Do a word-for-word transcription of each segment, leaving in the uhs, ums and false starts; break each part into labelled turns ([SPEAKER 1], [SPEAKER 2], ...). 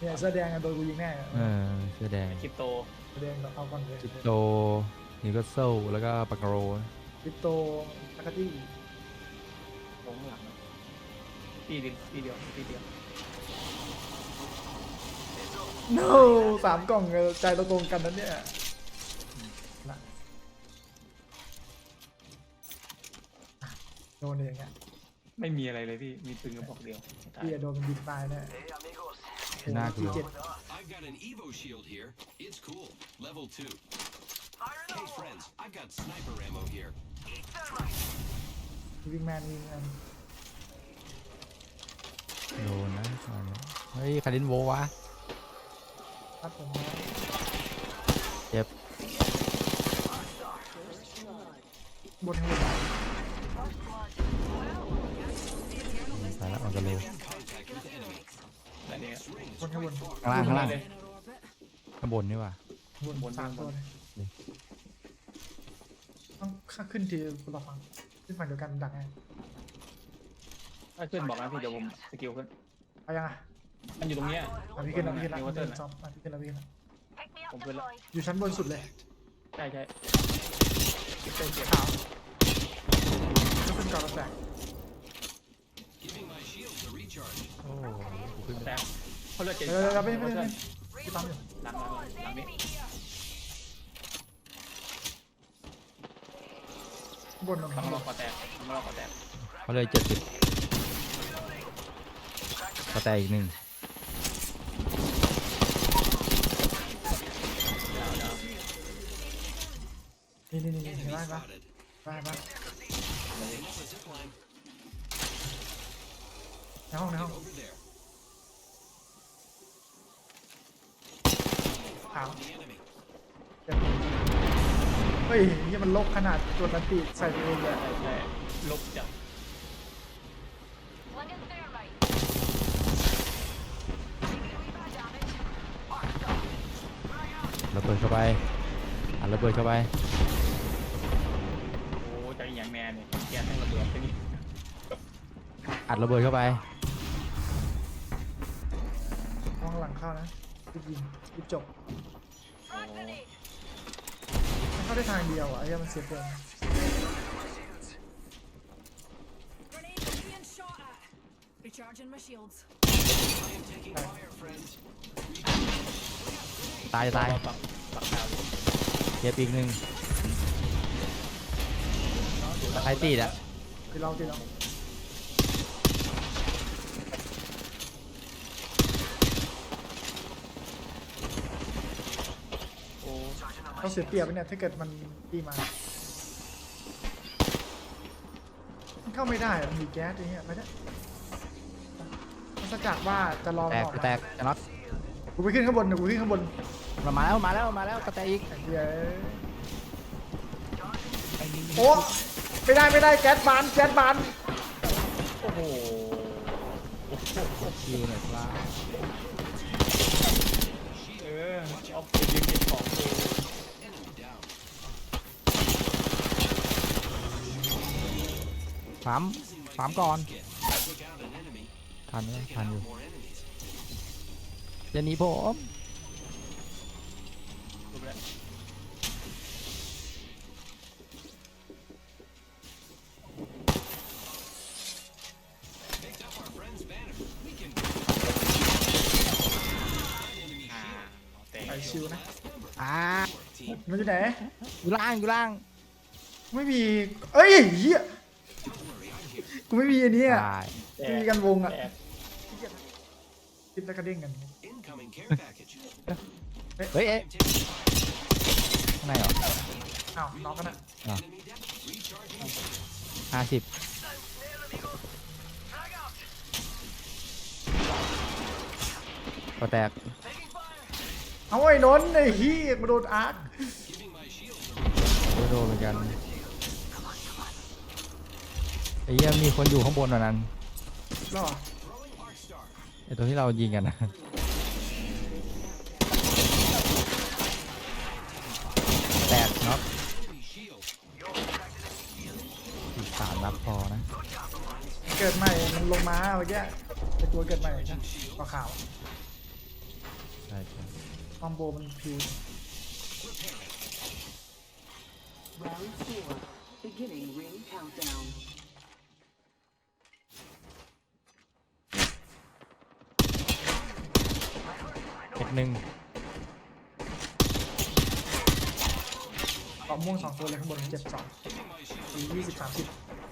[SPEAKER 1] เนี่ยเสื้อแดงโดนกูยิงแน่
[SPEAKER 2] เออเสื้อแดง
[SPEAKER 3] คริปโต
[SPEAKER 1] เสื้อแดงเราเอาก่อนเลย
[SPEAKER 2] จิโตนิวคาสเซิลแล้วก็ปากโร
[SPEAKER 1] คริปโตทักตี้
[SPEAKER 3] ลงหลังตีเดียวตีเดียวตีเดียว
[SPEAKER 1] โน้สามกล่องใจเราตรงกันนั้นเนี่ยนะโดนเองอ่ะ
[SPEAKER 3] ไม่มีอะไรเลยพี่มีปืนกระบอกเดียวตาย
[SPEAKER 1] พี่โดนมันยิงตายแน่
[SPEAKER 2] น่ากลัว
[SPEAKER 1] เจ็ด
[SPEAKER 4] I've got an Evo shield here. It's cool. Level two. Hey friends, I've got sniper ammo here.
[SPEAKER 1] วิ่งแมนวิ่งแมน
[SPEAKER 2] โดนนะเฮ้ยคารินโววะ
[SPEAKER 1] ครับผม
[SPEAKER 2] เจ็บบ
[SPEAKER 1] นข้างบน
[SPEAKER 2] สายละออกกันเร็ว
[SPEAKER 3] แต่เนี้ย
[SPEAKER 1] บนข้างบน
[SPEAKER 2] ข้างล่างข้างล่าง
[SPEAKER 3] เลย
[SPEAKER 2] ข้างบนนี่ว่ะ
[SPEAKER 1] บน
[SPEAKER 3] บน
[SPEAKER 1] สาม
[SPEAKER 3] บน
[SPEAKER 1] ตัวเลยต้องข้าขึ้นทีคนละฝั่งขึ้นฝั่งเดียวกันดักไง
[SPEAKER 3] ถ้าขึ้นบอกนะพี่เดี๋ยวผมสกิลขึ้น
[SPEAKER 1] เอายังอ่ะ
[SPEAKER 3] มันอยู่ตรงเนี้ย
[SPEAKER 1] อ่ะพี่ขึ้นแล้วพี่ขึ้นแล้ว
[SPEAKER 3] นิว
[SPEAKER 1] พี่
[SPEAKER 3] เทิ
[SPEAKER 1] ขึ้
[SPEAKER 3] ร์
[SPEAKER 1] น
[SPEAKER 3] น
[SPEAKER 1] ซ้อมอ่ะพี่ขึ้นแล้วพี่ขึ้นแล้ว
[SPEAKER 3] ผมขึ้นแล้ว
[SPEAKER 1] อยู่ชั้นบนสุดเลย
[SPEAKER 3] ใช่ใช่คริปโตเจ็บ
[SPEAKER 1] ขาวก็ขึ้นก่อนแล้วแตก
[SPEAKER 4] Giving my shield to recharge.
[SPEAKER 2] โอ้กูขึ้น
[SPEAKER 3] แต่เขาเลือดเจ็บ
[SPEAKER 1] เดี๋ยวเดี๋ยวเดี๋ยวไม่ไม่
[SPEAKER 3] นิว
[SPEAKER 1] ไม่
[SPEAKER 3] เทิร์น
[SPEAKER 1] พี่ปั๊มอยู่
[SPEAKER 3] หลังหลังหลังนี้
[SPEAKER 1] บนลง
[SPEAKER 3] ต้อ
[SPEAKER 1] ข้างงบ
[SPEAKER 3] รอน คอแตกต้องรอคอแตก
[SPEAKER 2] เขาเลยเจ็ดสิบกระแตอีกหนึ่ง
[SPEAKER 1] นี่นี่นี่เห็น
[SPEAKER 4] Enemy
[SPEAKER 1] ไหมปะ
[SPEAKER 4] spotted.
[SPEAKER 1] ไปปะ
[SPEAKER 4] Setting up a zip line.
[SPEAKER 1] ในห้องในห้อง
[SPEAKER 4] Over there.
[SPEAKER 1] ขาว
[SPEAKER 4] The enemy.
[SPEAKER 1] เจ็บเฮ้ยนี่มันลบขนาดตัวนันติใส่ตัวเองเลย
[SPEAKER 3] ใช่ใช่ลบจับ
[SPEAKER 2] ระเบิดเข้าไปอัดระเบิดเข้าไป
[SPEAKER 3] โอ้จะอย่างแมนเนี่ยแกทั้งระเบิดที่นี่
[SPEAKER 2] อัดระเบิดเข้าไป
[SPEAKER 1] ห้องหลังเข้านะรีบยิงรีบจบ
[SPEAKER 3] โอ้
[SPEAKER 1] มันเข้าได้ทางเดียวอ่ะไอ้เหี้ยมันเสียเปรียบ
[SPEAKER 5] Grenade being shot at. Recharging my shields.
[SPEAKER 4] I am taking fire, friends.
[SPEAKER 2] ตายตาย
[SPEAKER 3] ปักปักดาวอยู่
[SPEAKER 2] เจ็บอีกหนึ่งตะไคร้ตีดอ่ะ
[SPEAKER 1] คือเราที่เรา
[SPEAKER 3] โอ้
[SPEAKER 1] เขาเสียเปรียบไปเนี่ยถ้าเกิดมันตีมามันเข้าไม่ได้มันมีแก๊สอย่างเงี้ยไปเนี่ยมันสกัดว่าจะรอ
[SPEAKER 2] แต
[SPEAKER 1] มัน
[SPEAKER 2] ก
[SPEAKER 1] ออก
[SPEAKER 2] แตกจะน็อต
[SPEAKER 1] กูไปขึ้นข้างบนเดี๋ยวกูขึ้นข้างบน
[SPEAKER 2] มาแล้วมาแล้วมาแล้วกระแตอีก
[SPEAKER 1] ไอ้เหี้ยโอ้ไม่ได้ไม่ได้แก๊สบานแก๊สบาน
[SPEAKER 3] โอ้โห
[SPEAKER 2] คิวหน่อยครับ
[SPEAKER 3] เออเอาไปยืมเก็บของเอง
[SPEAKER 4] Enemy down.
[SPEAKER 2] สามสามก่อน
[SPEAKER 4] Get. Took out an enemy.
[SPEAKER 2] ทันไหม
[SPEAKER 4] Taking
[SPEAKER 2] ทัน
[SPEAKER 4] out
[SPEAKER 2] อยู่
[SPEAKER 4] more enemies.
[SPEAKER 2] เดี๋ยวหนี้ผม
[SPEAKER 3] รูปแล้ว
[SPEAKER 4] Picked up our friend's banner. We can.
[SPEAKER 3] อ่าแต่
[SPEAKER 1] ไปชิวนะ
[SPEAKER 2] อ่า
[SPEAKER 4] Team.
[SPEAKER 1] มันอยู่ไหน
[SPEAKER 2] อยู่ล่างอยู่ล่าง
[SPEAKER 1] ไม่มีเอ้ยเหี้ย
[SPEAKER 4] Don't worry, I'm here.
[SPEAKER 1] กูไม่มีอันนี้อ่ะ
[SPEAKER 2] ตาย
[SPEAKER 3] แต่
[SPEAKER 1] ไม่มีกันวงอ่ะ
[SPEAKER 3] แต่
[SPEAKER 1] คิดแล้วก็เด้งกัน
[SPEAKER 4] Incoming care package.
[SPEAKER 2] เฮ้ยเอ๊ะ
[SPEAKER 4] I'm taking fire.
[SPEAKER 2] ข้างในเหรอ
[SPEAKER 1] อ้าวน้องกันอ่ะ
[SPEAKER 4] Enemy down. Recharging.
[SPEAKER 2] ห้าสิบกระแตก
[SPEAKER 1] เอาไอ้นนท์ไอ้เหี้ยมาโดนอาร์ค
[SPEAKER 4] Giving my shield.
[SPEAKER 2] โดนโดนเหมือนกันไอ้เหี้ยมีคนอยู่ข้างบนวันนั้น
[SPEAKER 1] หรอ
[SPEAKER 4] Throwing arc star.
[SPEAKER 2] ไอ้ตัวที่เรายิงกันนะแตกน็อต
[SPEAKER 4] Enemy shield.
[SPEAKER 2] อีกสามนัดพอนะ
[SPEAKER 1] เกิดใหม่มันลงมาเมื่อกี้ไอ้ตัวเกิดใหม่ใช่ปลาขาว
[SPEAKER 2] ใช่ใช่
[SPEAKER 1] คอมโบมันพิว
[SPEAKER 6] Round four. Beginning ring countdown.
[SPEAKER 2] เอ็ดหนึ่ง
[SPEAKER 1] เกาะม่วงสองตัวเลยข้างบนเจ็บสองสี่ยี่สิบสามสิบ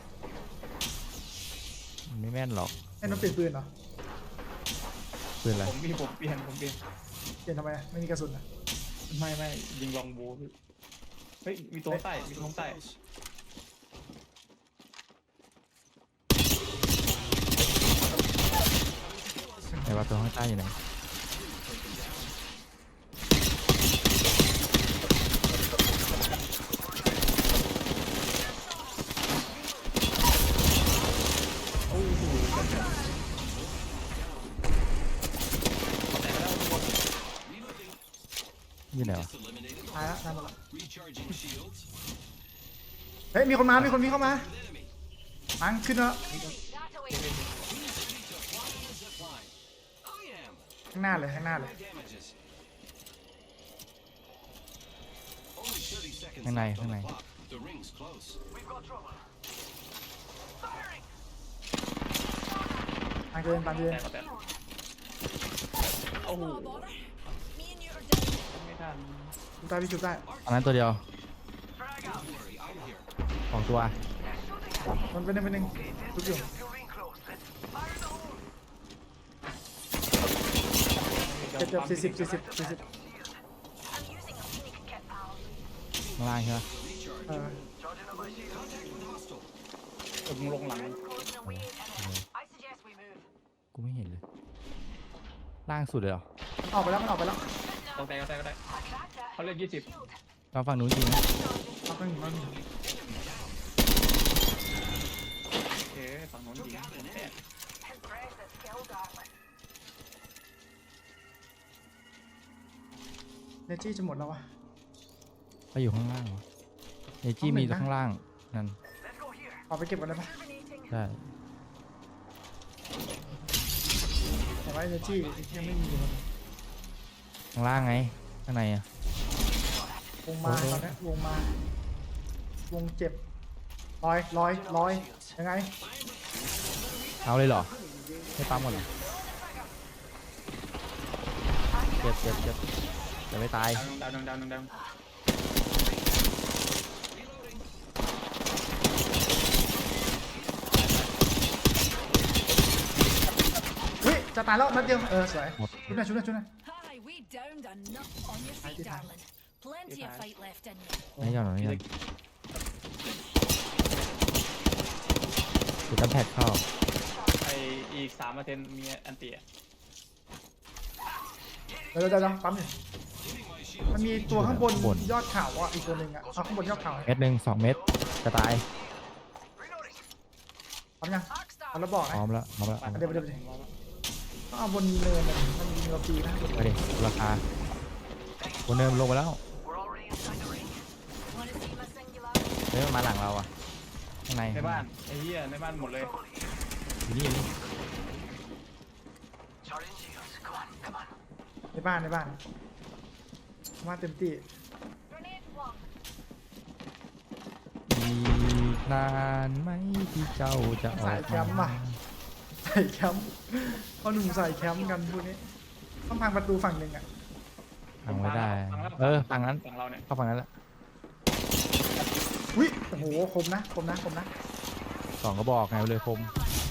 [SPEAKER 2] มันไม่แม่นหรอก
[SPEAKER 1] ไอ้น้องเปลี่ยนปืนเหรอ
[SPEAKER 2] ปืนอะไร
[SPEAKER 3] ผมมีผมเปลี่ยนผมเปลี่ยน
[SPEAKER 1] เปลี่ยนทำไมอะไม่มีกระสุนอะ
[SPEAKER 3] ไม่ไม่ยิงลองบูพี่เฮ้ยมีตัวใต้มีตัวใต้
[SPEAKER 2] ไหนว่าตัวข้างใต้อยู่ไหน อยู่ไหนวะ
[SPEAKER 1] ตายแล้วตายหมดแล้ว
[SPEAKER 4] Recharging shields.
[SPEAKER 1] เฮ้ยมีคนมา มีคนมีเข้ามาปังขึ้นแล้ว
[SPEAKER 4] Ready to fly on the zip line. I am.
[SPEAKER 1] ข้างหน้าเลยข้างหน้าเลย
[SPEAKER 4] My damages. Only thirty seconds
[SPEAKER 2] ข้างใน
[SPEAKER 4] left
[SPEAKER 2] ข้าง
[SPEAKER 4] on
[SPEAKER 2] ใน
[SPEAKER 4] the clock. The ring's close.
[SPEAKER 1] ปังเดินปังเดิน
[SPEAKER 3] แต่ก็แต่โอ้โห
[SPEAKER 5] No bother. Me and you are done.
[SPEAKER 3] ไม่ทัน
[SPEAKER 1] ชุบได้พี่ชุบได้
[SPEAKER 2] อันนั้นตัวเดียว
[SPEAKER 4] Don't worry, I'm here.
[SPEAKER 2] สองตัว
[SPEAKER 1] มันเป็นหนึ่งเป็นหนึ่งชุบอยู่เจ็บเจ็บสี่สิบสี่สิบสี่สิบ
[SPEAKER 2] ข้างล่างใช่ไหม
[SPEAKER 1] เออ
[SPEAKER 3] ผมลงหลังมัน
[SPEAKER 2] กูไม่เห็นเลย ล่างสุดเลยเหรอ
[SPEAKER 1] มันออกไปแล้วมันออกไปแล้ว
[SPEAKER 3] ต้องแต่ก็แต่ก็แต่เขาเล่นยี่สิบ
[SPEAKER 2] เราฝั่งนู้นจริงนะ
[SPEAKER 1] เอาไปหนึ่งเอาไปหนึ่ง
[SPEAKER 3] โอเคฝั่งโน้นยิงผมแตก
[SPEAKER 1] เนจี้จะหมดแล้ววะ
[SPEAKER 2] ไปอยู่ข้างล่างเหรอเอจี้มีข้างล่าง นั่น
[SPEAKER 1] เอาไปเก็บกันได้ปะ
[SPEAKER 2] ได้
[SPEAKER 1] แต่ว่าเนจี้ยังไม่มีมัน
[SPEAKER 2] ข้างล่างไง ข้างในอะ
[SPEAKER 1] วงมาตอนนี้วงมา วงเจ็บลอยลอยลอยยังไง
[SPEAKER 2] เอาเลยเหรอ ไม่ปั๊มหมดเหรอเจ็บเจ็บเจ็บจะไม่ตาย
[SPEAKER 3] ดาวหนึ่งดาวหนึ่งดาวหนึ่งดาว
[SPEAKER 1] เฮ้ยจะตายแล้วนัดเดียวเออสวย
[SPEAKER 2] หมด
[SPEAKER 1] ชุดหน่อยชุดหน่อยชุดหน่อย
[SPEAKER 5] Hi, we downed enough on your feet, darling. Plenty of fight left in you.
[SPEAKER 2] ไม่ยอมหรอกไม่ยอมคือตั้งแพดเข้า
[SPEAKER 3] ไออีกสามเปอร์เซ็นต์มีอันเตีย
[SPEAKER 1] เดี๋ยวเดี๋ยวเดี๋ยวปั๊มอยู่มันมีตัวข้างบนยอดเขาอ่ะอีกตัวหนึ่งอ่ะเอาข้างบนยอดเขา
[SPEAKER 2] เม็ดหนึ่งสองเม็ดจะตาย
[SPEAKER 1] ปั๊มยังเอาแล้วบอก
[SPEAKER 2] พ
[SPEAKER 1] นะ
[SPEAKER 2] ร้อมแล้วพร้อมแล้ว
[SPEAKER 1] เดี๋ยวเดี๋ยวเดี๋ยวต้องเอาบนเนินอะมันยิงเราปีนะ
[SPEAKER 2] ไปดิราคาบนเนินมันลงไปแล้ว
[SPEAKER 5] Want to see my singular?
[SPEAKER 2] เฮ้ยมันมาหลังเราอ่ะ ข้างใน
[SPEAKER 3] ในบ้านไอ้เหี้ยในบ้านหมดเลย
[SPEAKER 2] อยู่นี่อยู่นี่
[SPEAKER 1] ในบ้านในบ้านมาเต็มที่
[SPEAKER 5] Grenade one.
[SPEAKER 2] อีกนานไหมที่เจ้าจะออกมา
[SPEAKER 1] ใส่แคมป์เขาหนุ่มใส่แคมป์กันพวกนี้ต้องพังประตูฝั่งหนึ่งอ่ะ
[SPEAKER 2] พังไม่ได้
[SPEAKER 3] ฝั่งแล้ว
[SPEAKER 2] เออฝั่งนั้น
[SPEAKER 3] ฝั่งเราเนี่ย
[SPEAKER 2] เข้าฝั่งนั้นแหละ
[SPEAKER 1] อุ้ยโอ้โหคมนะคมนะคมนะ
[SPEAKER 2] สองกระบอกไงเลยคม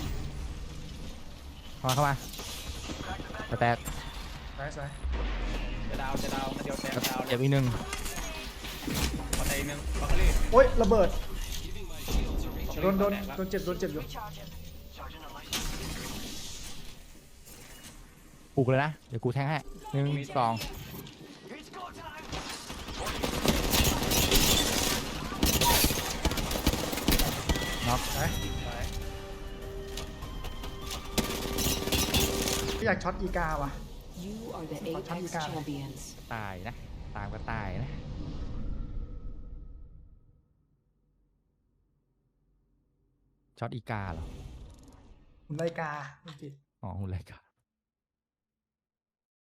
[SPEAKER 2] เข้ามาเข้ามาจะแตก
[SPEAKER 1] สวยสวย
[SPEAKER 3] จะดาวจะดาวมาเดียวแตกดาวเล
[SPEAKER 2] เจ็
[SPEAKER 3] ย
[SPEAKER 2] บอีกหนึ่ง
[SPEAKER 3] ปัตไตนึงบัคเคอรี่
[SPEAKER 1] โอ้ยระเบิด
[SPEAKER 4] Giving my shields a
[SPEAKER 1] โดนโดน
[SPEAKER 3] แตกแล้ว
[SPEAKER 1] โดนเจ็บโดนเจ็บอยู่
[SPEAKER 2] ปลุกเลยนะ เดี๋ยวกูแทงให้หนึ่งสองน็อก
[SPEAKER 1] ไปอยากช็อตอีกาว่ะ
[SPEAKER 6] You are the
[SPEAKER 1] I'll tell you
[SPEAKER 6] Apex
[SPEAKER 1] guys.
[SPEAKER 6] champions.
[SPEAKER 2] ตายนะ ตามก็ตายนะ ช็อตอีกาเหรอ
[SPEAKER 1] หุ่นไลกาไม่ผิด
[SPEAKER 2] อ๋อหุ่นไรกา